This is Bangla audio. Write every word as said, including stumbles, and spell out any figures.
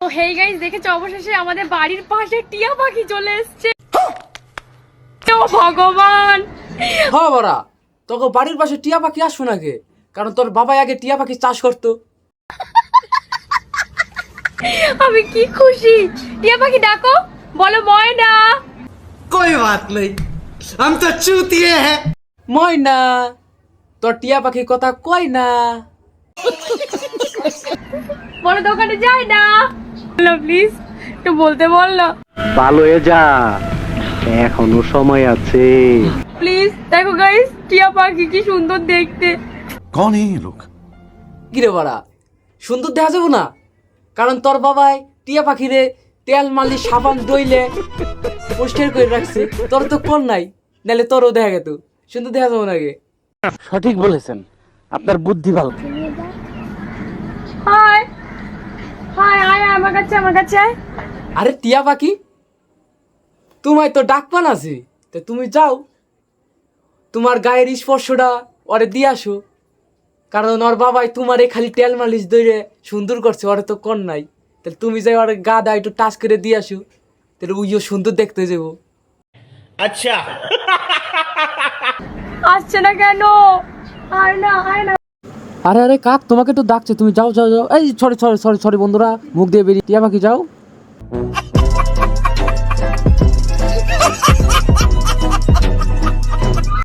তো হেই গাইস, দেখেছো অবশেষে আমাদের বাড়ির পাশে টিয়া পাখি চলে এসেছে। ও ভগবান, হ্যাঁ বড়া, তোকে বাড়ির পাশে টিয়া পাখি আসবো নাকি? কারণ তোর বাবা আগে টিয়া পাখি চাষ করতো। আমি কি খুশি। টিয়া পাখি ডাকো, বলো ময়না। कोई बात नहीं, हम तो चूतिए हैं। ময়না, তোর টিয়া পাখির কথা কই না। বলো দোকানে যাই না। বলো প্লিজ, একটু বলতে বললো ভালো হয়ে যা, এখনো সময় আছে। প্লিজ। দেখো গাইস, টিয়া পাখি কি সুন্দর দেখতে। कौन है ये लोग? কিরে বড়া, সুন্দর দেখা যাবো না? কারণ তোর বাবাই টিয়া পাখিরে তেল মালি সাবান দইলে পোস্টার করে রাখছে। তোর তো কোন নাই, নাহলে তোরও দেখা গেত। সুন্দর দেখা যাবো নাকি? সঠিক বলেছেন, আপনার বুদ্ধি ভালো। হাই হাই হাই, আমার কাছে আমার কাছে আয়। আরে টিয়া পাখি, তোমায় তো ডাকপান আছে, তো তুমি যাও, তোমার গায়ের স্পর্শটা ওরে দিয়ে আসো। কারণ ওর বাবাই তোমারে খালি তেল মালিশ দইরে সুন্দর করছে, ওরে তো কর নাই। তাহলে তুমি যাই ওর গা দা একটু টাচ করে দিয়ে আসো, তাহলে উইও সুন্দর দেখতে যাবো। अच्छा, আসছে না কেন? আয় না আয় না। আরে আরে কাক, তোমাকে তো ডাকছে, তুমি যাও যাও যাও। এই সরি সরি সরি সরি বন্ধুরা, মুখ দিয়ে বেরিয়ে টিয়া পাখি যাও।